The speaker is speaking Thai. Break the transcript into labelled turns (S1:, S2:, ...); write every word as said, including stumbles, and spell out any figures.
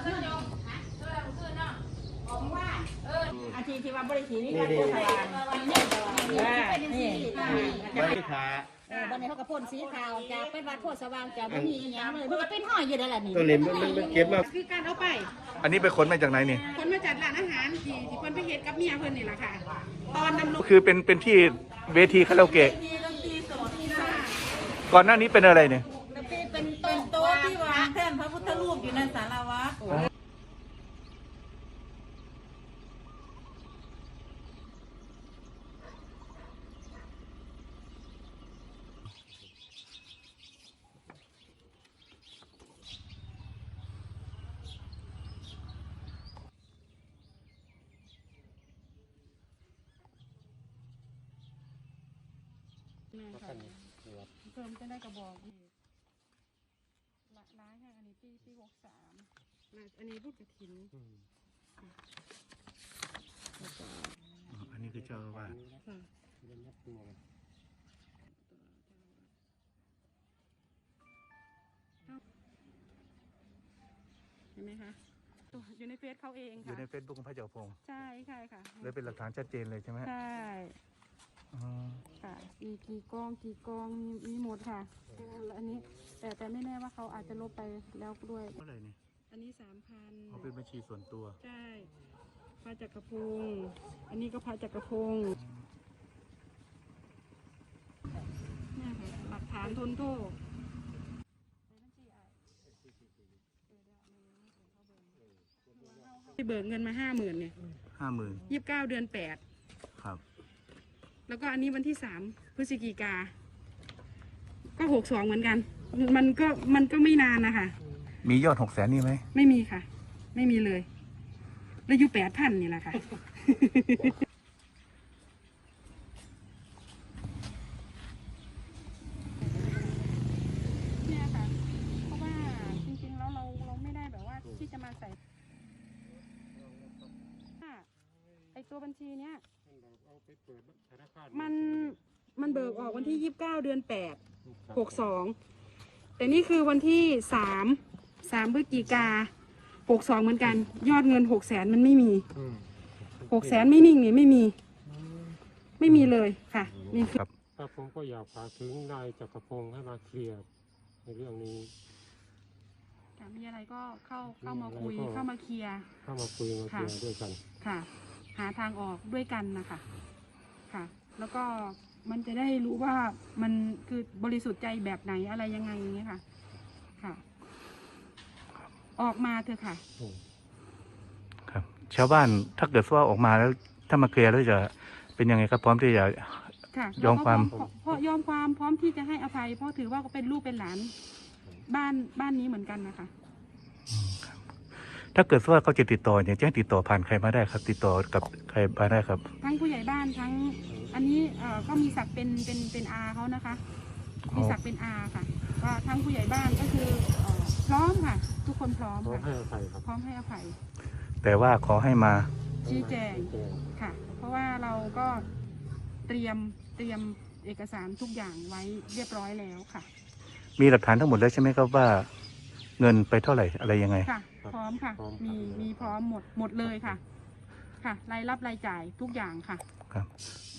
S1: อาชีพที่ว่าบริษัทนี่ก็โคตรนี่นี่
S2: ไม่ขา
S1: เออวันนี้เขาก็พ่นสีขาวจากเป็นวัดโพธิ์สว่างจากไม่มีอย่างเลยมันก็เป็นห้อยอยู่นั่นแหละนี่
S2: ตัวนี้มันมันเก็บมา
S3: คือการเอาไป
S4: อันนี้ไปขนมาจากไหนนี่
S3: คนมาจัดร้านอาหารที่ที่เพิ่นไปเฮ็ดกับเมียเพิ่นนี่แหละค่ะ ตอนดำรง
S4: คือเป็นเป็นที่เวทีคาราโอเกะก่อนหน้านี้เป็นอะไรเนี่ย
S1: เป็นต้นโต๊ะที่วางแท่นพระพุทธรูปอยู่ในศาลาวัดเพิ่มจะได้กระบอกอีกละร้ายค่ะอันนี้ปีปีหกสามอันนี้พูดกระถิน
S4: อันนี้คือเจ้าว่า
S3: เห็นไหมคะอยู่ในเฟซเขาเอง
S4: อยู่
S3: ค่ะ
S4: ในเฟซบุ๊กของพระเจ้าพงศ์
S3: ใช่ใช่ค่ะ
S4: เลยเป็นหลักฐานชัดเจนเลยใช่ไหม
S3: ใช่
S4: อ๋อ
S3: ค่ะมีกี่กองกี่กองมีมีหมดค่ะแล้วอันนี้แต่แต่ไม่แน่ว่าเขาอาจจะลบไปแล้วด้วย
S4: เท่าไหร่นี่
S3: อันนี้สามพัน
S4: เขาเป็นบัญชีส่วนตัว
S3: ใช่พระจักรพงศ์อันนี้ก็พระจักรพงศ์เนี่ยค่ะหลักฐานทนโทษที่เบิกเงินมาห้าหมื่นเนี่ย
S4: ห้าหมื่น
S3: ยี่สิบเก้าเดือนแปด
S4: ครับ
S3: แล้วก็อันนี้วันที่สามพฤศจิกาก็หกสองเหมือนกัน มันก็มันก็ไม่นานนะคะ
S4: มียอดหกแสนนี่ไหม
S3: ไม่มีค่ะ ไม่มีเลยแล้วอยู่แปดพันนี่แหละค่ะ เนี่ยค่ะ เพราะว่าจริงๆแล้วเราเราไม่ได้แบบว่าที่จะมาใส่ไอตัวบัญชีเนี้ยมันมันเบิกออกวันที่ยี่สิบเก้าเดือนแปดหกสองแต่นี่คือวันที่สามสามพฤศจิกาหกสองเหมือนกัน ยอดเงินหกแสนมันไม่มีหกแสนไม่นิ่งนี่ไม่มี ไม่มีเลยค่ะนี่คือ
S5: ครับผมก็อยากฝากถึงนายจักรพงศ์ให้มาเคลียร์ในเรื่องนี้
S3: มีอะไรก็เข้าเข้ามาคุยเข้ามาเคลียร์
S5: เข้ามาคุยมาเคลียร์ด้วยกัน
S3: ค่ะ หาทางออกด้วยกันนะคะค่ะ แล้วก็มันจะได้รู้ว่ามันคือบริสุทธิ์ใจแบบไหนอะไรยังไงอย่างเงี้ยค่ะค่ะ ออกมาเถอะค่ะ
S4: ครับ ชาวบ้านถ้าเกิดว่าออกมาแล้วถ้ามาเคลียร์แล้วจะเป็นยังไงครับพร้อมที่จะ
S3: ค่ะ
S4: ยอมความ
S3: เพราะยอมความพร้อมที่จะให้อภัย เพราะถือว่าเป็นลูกเป็นหลานบ้านบ้านนี้เหมือนกันนะคะ
S4: ถ้าเกิดว่าเขาจะติดต่อเนี่ยจะให้ติดต่อผ่านใครมาได้ครับ ติดต่อกับใครมาได้ครับ
S3: ทั้งผู้ใหญ่บ้านทั้งอันนี้เอ่อก็มีศักดิ์เป็นเป็นเป็นอาเขานะคะ มีศักดิ์เป็นอาค่ะว่าทั้งผู้ใหญ่บ้านก็คือเอ่อพร้อมค่ะ ทุกคนพร้อม
S5: พร้อม
S3: ค่ะ
S5: ให้อภัยครับ
S3: พร้อมให้อภัย
S4: แต่ว่าขอให้มา
S3: ชี้แจงค่ะ เพราะว่าเราก็เตรียมเตรียมเอกสารทุกอย่างไว้เรียบร้อยแล้วค่ะ
S4: มีหลักฐานทั้งหมดแล้วใช่ไหมครับว่า เงินไปเท่าไหร่อะไรยังไง
S3: ค่ะ พร้อมค่ะ มีมีพร้อมหมดหมดเลยค่ะ ค่ะรายรับรายจ่ายทุกอย่างค่ะ
S4: ครับ